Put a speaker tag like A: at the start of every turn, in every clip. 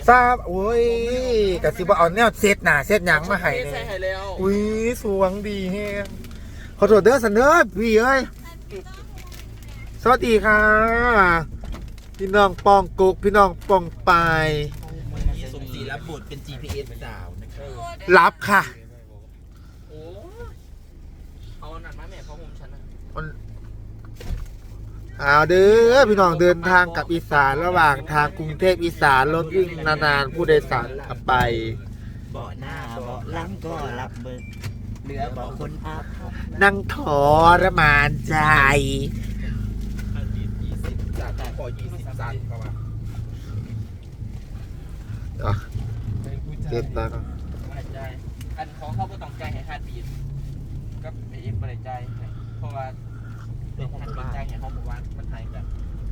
A: ทราบโอ้ยกะสิบ่เอาแนวเซตหน้าเซตหยังมาให้เลยอุ้ยสวงดีแฮงขอโทษเด้อสันเด้อพี่เอ้ยสวัสดีค่ะพี่น้องปองกุกพี่น้องปองปาย
B: สมศรีรับบทเป็น GPS สาวนะครับ
A: รับค่ะ
B: โอ้เอาหนักมาแม่เขาห่มฉันนะ
A: เอาเด้อพี่น้องเดินทางกับอีสานระหว่างทางกรุงเทพอีสานรถวิ่งนานๆผู้โดยสารขับไป
B: เบาะหน้าเบาะหลังก็รับเบิกเหลือเบาะคนอัพ
A: นั่งทรมานใจ
B: 20จากขอ20ซันเข้ามา
A: เก็บตังค์
B: อันของเขาก็ต้องใจให้ฮัดบีดกับไอเอ็มบริใจเพราะว่าเป็นฮัดบีดใจให้เขาหมู่บ้านมันหายกัน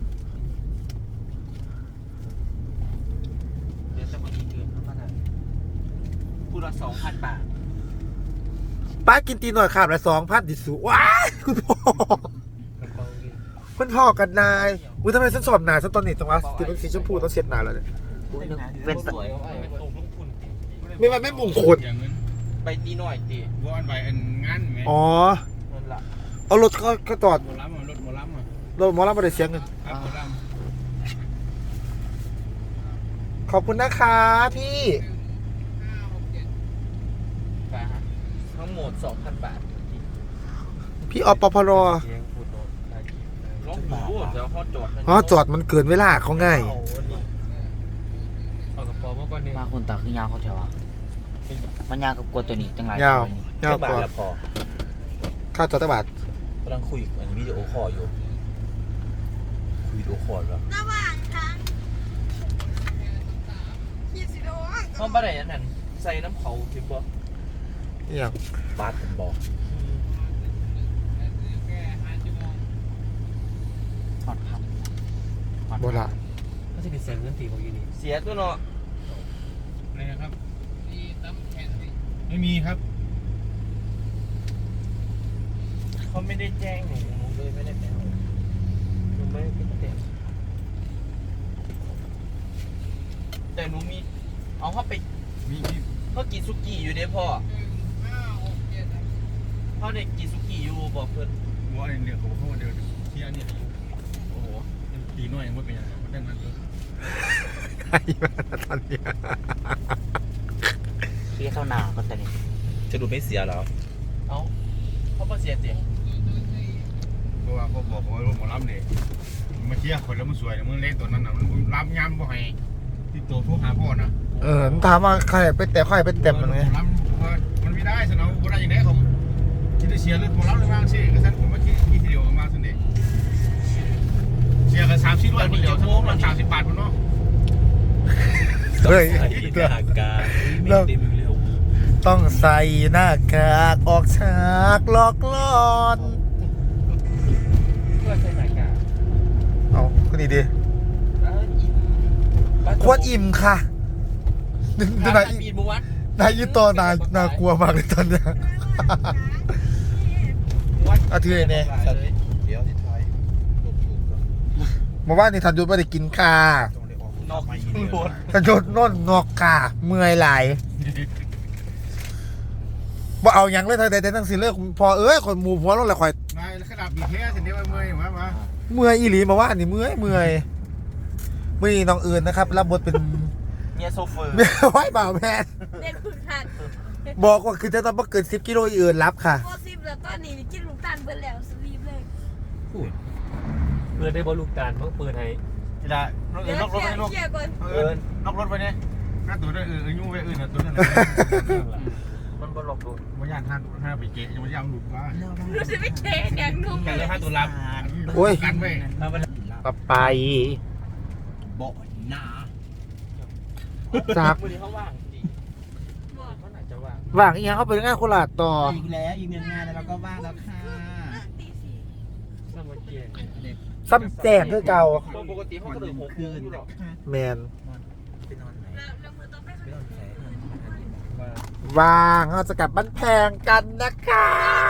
B: เดี๋ยวจะมาอีกเดือนเท่านั้นพูดละ 2,000 บาท
A: ป้ากินตีหน่อยขาดละ2,000ดิสุว้ายคุณพ่อคุณพ่อกันนายอุ้ยทำไมฉันสอบนายฉันตอนนี้จังวะติดเป็นสีชมพูต้องเช็ดนายแล้วเนี่ย
B: เป็นสวย
A: ไม่ว่าไม่มงคล
B: ไปตีหน่อยตี
C: ว่าอันไปอันงานไหม
A: อ๋อเอารถก็จอด
C: หมอลำรถหมอลำ
A: รถหมอลำมาได้เสียเงิน
C: หมอล
A: ขอบคุณนะคะพี่
B: ทั้งหมด 2,000 บาท
A: พี่อปพร
B: ลองดูเดี๋ยวเขาจอด
A: อ๋อจอดมันเกินเวลาเขาง่าย
D: มาคนตาคือยาวเขาเฉวะมันยาวกับกวตัวนี้จังไร
A: ยาวยาวกว่าค่าจอดตบาท
B: กำลังคุยอันวิดีโอคอลอยู่คุยวิดีโอคอลแล้วระหว่างทางห้องบ้านไหนนั่นใส่น้ำเขาถึงบ่
A: อย่าง
B: บาดผมบอก
D: ถอดค
A: ำโบราณ
C: ก็จะเป็นเสียงเงินตีของยูนี่
B: เสียตัวเนาะ
C: อะไรนะครับไม่มีครับ
B: เขาไม่ได้แจ้งหนูเลยไม่ได้แจ้งหนูไม่ได้แจ้งแต่หนูมีเอาเข้าไปเขากินซุกี้อยู่เด้พ่อพ่อเด็กกินซุกี้อยู่บอกเพื่อน
C: ว่าเดี๋ยวเขาเดี๋ยวที่อันนี้โอ้โหตีน้อยยังไม่เป็นยังไงมันได้มันเลย
A: ใครมาตอนนี้
D: พี่เข้าหนาก็แต่นี่
B: จะดูไม่เสียหรอเอาเขาไม่เสียจริง
C: เพราะว่าเขาบอกว่ารถหมอลำเนี่ยมาเที่ยวคนแล้วมันสวยมึงเล่นตัวนั้นนะมันรับย้ำบ่ให้ที่ตัวทุกหาพ่อนะ
A: ถามว่าใครไปแต่ใครไปเต็มมันไง
C: มันไม่ได้สนองบ่ได้ยังไงผมคิดจะเชียร์รถหมอลำเลยบ้างสิกระสันผมไม่คิดทีเดียวมาสุดเด็ดเชียร์กัน30 วันเดียวทั้งหมด30 บาทคนเนาะ
A: เฮ้ยต้องใส่หน้ากากออกฉากหลอกล่อน
B: เพื่อใส่หน้ากาก
A: เอาคนนี้ดิควรอิ่มค่ะนายยี่ตัวนากลัวมากเลยตอนเนี้ยอาทิตย์เนี่ยมาว่านี่ทันยุทธไม่ได้กินค่ะทันยุทธน่นงอกค่ะเมื่อยไหลบ่เอาอย่างเลยแต่ตั้งสิเลิกพอคนหมู่พอรถอะไรคอย
C: ขนาดบีเทสเดี๋ยวเมื่อยมา
A: เมื่อยอีหลีมาว่านี่เมื่อยน้องอื่นนะครับรับบทเป็น
B: เมียโซเฟอร์
A: เมียไว้บ่าวแมนเด็กฝึกหัดบอกว่าคือจะต้องเกิน10 กิโลอื่นรับค่ะ
E: พอ10แล้วตอนนี้กินลูกตาลเบิดแล้วสวีปเลย
C: เปิดได้บอลูกตาลเพิ่งเปิดให้ทีละนอกรถไปนอกรถไปเนี่ยน่าตัวได้ยุ่งไปอื่นตัวนั้น
B: มันบอลอกดู
C: มันย่านห้าไปเกะยังไม่ย่างหลุดว่า
E: รู้สึกไม่เก๋เนี่ยนุ่ม
C: กันเลยห้าตัวรับ
A: โอ้ย
C: กันไป
A: ไป
B: บ่อหนา
A: จาก
B: เขาว่างจริง
A: ว่างอีกอย่างเขาไปงานโคราชต่อ
B: อีกแล้วอีกงานแล้วก็ว่างแล้วค่ะ
A: ซ้ำแจ้งคือเก่า
B: ปกติเขาก็ตื่น6 คืน
A: แมนว่างเราจะกลับบ้านแพงกันนะคะ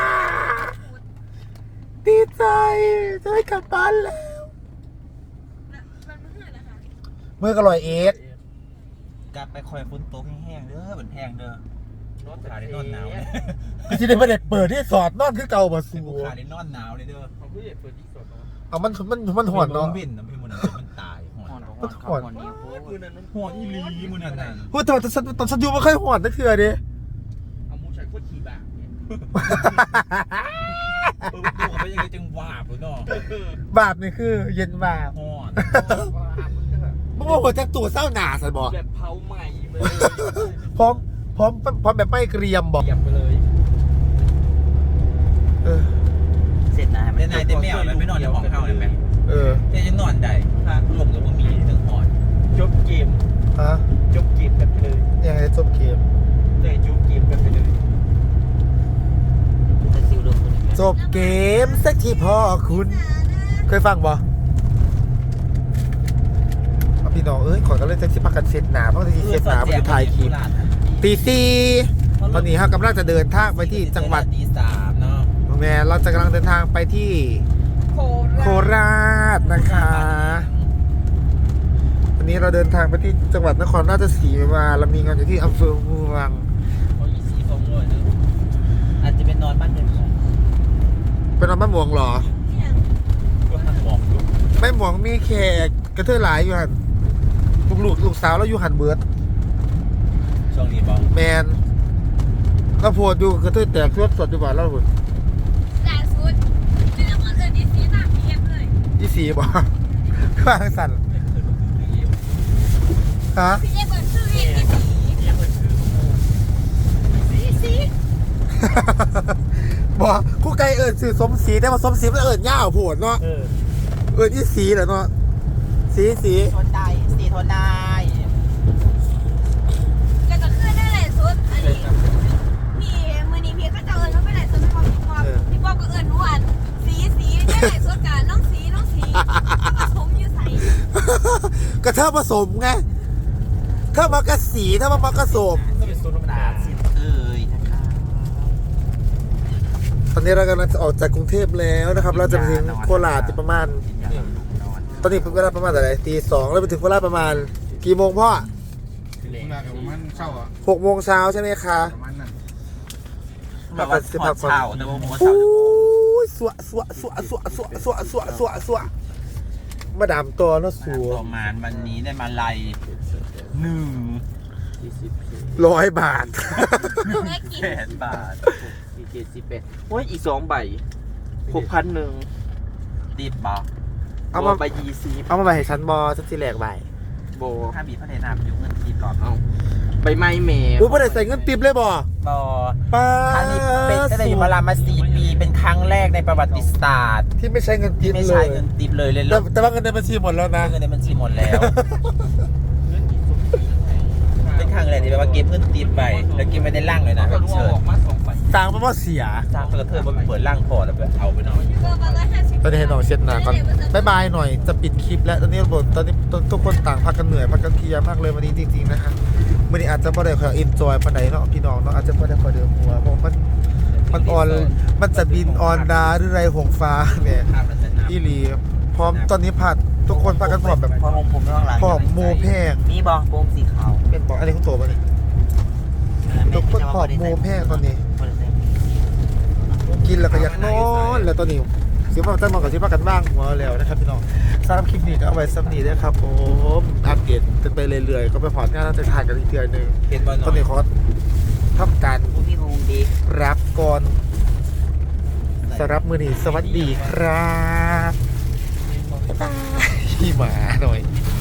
A: ดีใจจะได้กลับบ้านแล้วเมื่อกระลอยเอส
B: กลับไปคอยฝนตกแห้งๆเด้อมันแห้งเด้อขาได้นอนหนาวเลย
A: ก็สิได้บ่ได้เปิดที่สอดนอนคือเก่าบ่สู
B: ขาได้นอนหนาวเลยเด้อ
C: ผมก็อยากเปิดที่สด
A: เอามันหอนเนาะ
B: บินน้ำพี่มันมันตายห
D: ห
B: อ
D: อน
B: น
D: หอนเขาหอนนี่โอ้ย
B: หอนอีหลีมันนั่น
A: พูดแต่ตอนฉันอยู่บ่เคยหอนจักเทื่อเด้
C: เอามูใส่โคตรขี่บากเนี่ย
B: ตัวไปยังไงจังหวาบเลยเนาะ
A: บาปนี่คือเย็นบาป
B: หอน
A: บ่ว่าหัวจักตัวเศร้าหนาซั่นบ่
B: แบบเผาใหม่เลย
A: พร้อมแบบไม่เกรียมบ่
B: เก็บไปเลย
A: เออ
D: เสร็จนะให้มัน
B: นายเต็มแมวเลยไม่นอนในห้องเฮาเลยไหม
A: เออ
B: จะนอนได้ถ้าลมกับบ่มีถึงหอนจบเกม
A: ฮะ
B: จบเกมกันไปเลย
A: ยังไงจบเกม
B: เลยจบเกมกันไปเลย
D: จะซิวลงคนนี้
A: จบเกมสักทีพ่อคุณเคยฟังบ่เอาพี่น้องเอ้ยขอกันเลยจะสิพักกันเสร็จหนาเพราะจะเสร็จหนามันจะถ่ายคลิปตีสี่ตอนนี้เรากำลังจะเดินทางไปที่จังหวัด
B: ตี3เนาะ
A: แม่เราจะกำลังเดินทางไปที่โคราชนะคะวันนี้เราเดินทางไปที่จังหวัดนครราชสีมาเรามีงานอยู่ที่อำเภอเมือง
B: เขาอีสีฟงเลยเนอะอาจจะเป็นนอนบ้านเดิมของ
A: เป็นนอนบ้านหมวงเหรอ
B: ก็หันมองดู
A: ไม่หมวงมีแขกกระเทยหลายอยู่หันลูกสาวเราอยู่หันเบิร์ด
B: ช่วงนี้บอก
A: แมนก็โพดอยู่กระเทยแตกสดอยู่บ้านเราหุ่น
E: ล่าสุดเป็นละครเอิญดีซีตามเทียบเลย
A: ยี่สีบ่ ข้างสั่นฮะ
E: พี่เอเปิดชื่อเองดีซี
A: บอกคู่ไก่เอิญสื่อสมศรีแต่ว่าสมศรีมันเอิญย่าวโผดเนาะเอิญยี่สีเหรอเนาะสี
B: ทนได้สีทนได้
E: แล้วก็ขึ้นได้เลยสุดอันนี้พี่มือนี้พี่ก็จะเอิญเขาไปไหนสุดไม่บอกพี่บอกก็เอิญวันสีได้ไหนสุดกันน้องสีผสมอยู่ใส่
A: ก็เท่าผสมไงเท่ามากระสีเท่ามากระสม
B: ก็เป็นโซนธรรมดาสิเอ้ยนะคะ
A: ตอนนี้เรากำลังจะออกจากกรุงเทพแล้วนะครับ เราจะไปถึงโคราชประมาณ ตอนนี้เป็นเวลาประมาณเท่าไหร่ตี2แล้วไปถึงโคราชประมาณกี่โมงพ่อ
C: ถึงเวลากับมันเศร้าอ่ะ
A: 6 โมงเช้าใช่ไหมคะ
C: ประมาณนั้น
B: แบบว่าถอดเช้าแต่ว่าหัว
A: โอ้
B: เช้าย
A: สวะมาดามตัวเนาะสัว
B: ประมาณวันนี้ได้มาลัย
A: 100 บาท
E: แม่กิน
B: 100,000 บาท
F: โอ้ยอีก2 ใบ6,100
B: ติดบอก
A: เอามา
F: ใบ20
A: เอามาไปให้ฉันบอฉันสิแหลกใบ
F: โบ
B: ถ้าบีพระเดชนาประยุกต์เงินติดหรอ
F: เอาใบไม้เม
A: อุ้ยไม่ได้ใส่เงินติปเลยบอ
B: บอ
A: ป้า
B: ครั้งนี้เป็นตั้งแต่อยู่มาลามา4 ปีเป็นครั้งแรกในประวัติศาสตร์
A: ที่ไม่ใช้เงินติ
B: ที่
A: ป
B: ไม่
A: เล
B: ใช้
A: ย
B: เงินติปเลยเลย
A: แต่ว่าเงินในบัญชีหมดแล้วนะ
B: เงินในบัญชีหมดแล้ว เป็นครั้งแรกที่แบบว่าเก็บเงินติปไปแล้วเก็บไม่ได้ล่างเลยนะแบบเชิญ
A: สร้างมาว่าเสีย
B: สร้างเพื่อเธอมาเปิดล่างพอแล้วแบบเอาไปนอน
E: เบอร์มา150
A: ตอนนี้ให้น้องเช็ดหน้าก่อนบายบายหน่อยจะปิดคลิปแล้วตอนนี้ทุกคนต่างพักกันเหนื่อยพักกันเพลียมากเลยวันนี้จริงๆนะฮะวันนี้อาจจะไม่ได้คอยอินจอยปานใดเนาะพี่น้องเนาะอาจจะไม่ได้คอยเดิมหัวเพราะมันออนมันจะบินออนดาหรือไรหงฟ้าเนี่ยอีหลีพร้อมตอนนี้ผัดทุกคนพักกันพร้อมแบบ
D: พอของผมข้างหลัง
A: พร้อมโมแพง
D: มีบองโปมสีขาว
A: เป็นบอกอันนี้ของตัวป่ะนี่ทุกคนพร้อมโมแพงตอนนี้ กินแล้วก็อยากนอนแล้วตอนนี้สิว่าจะมากับสิว่ากันบ้างหัวแล้วนะครับพี่น้องสำหรับคลิปนี้ก็เอาไว้สักนี้ด้วยครับผมอัปเดตกันไปเรื่อยๆก็ไปพอดงานแล้วจะถ่ายกันอีกเดือนหนึ่ง
B: เห็นบอล
A: ตอนนี้ขอทำการ
D: พี่คงดี
A: รับก่อนสำหรับมือนี้สวัสดีครับบ๊ายบายพี่หมาหน่อย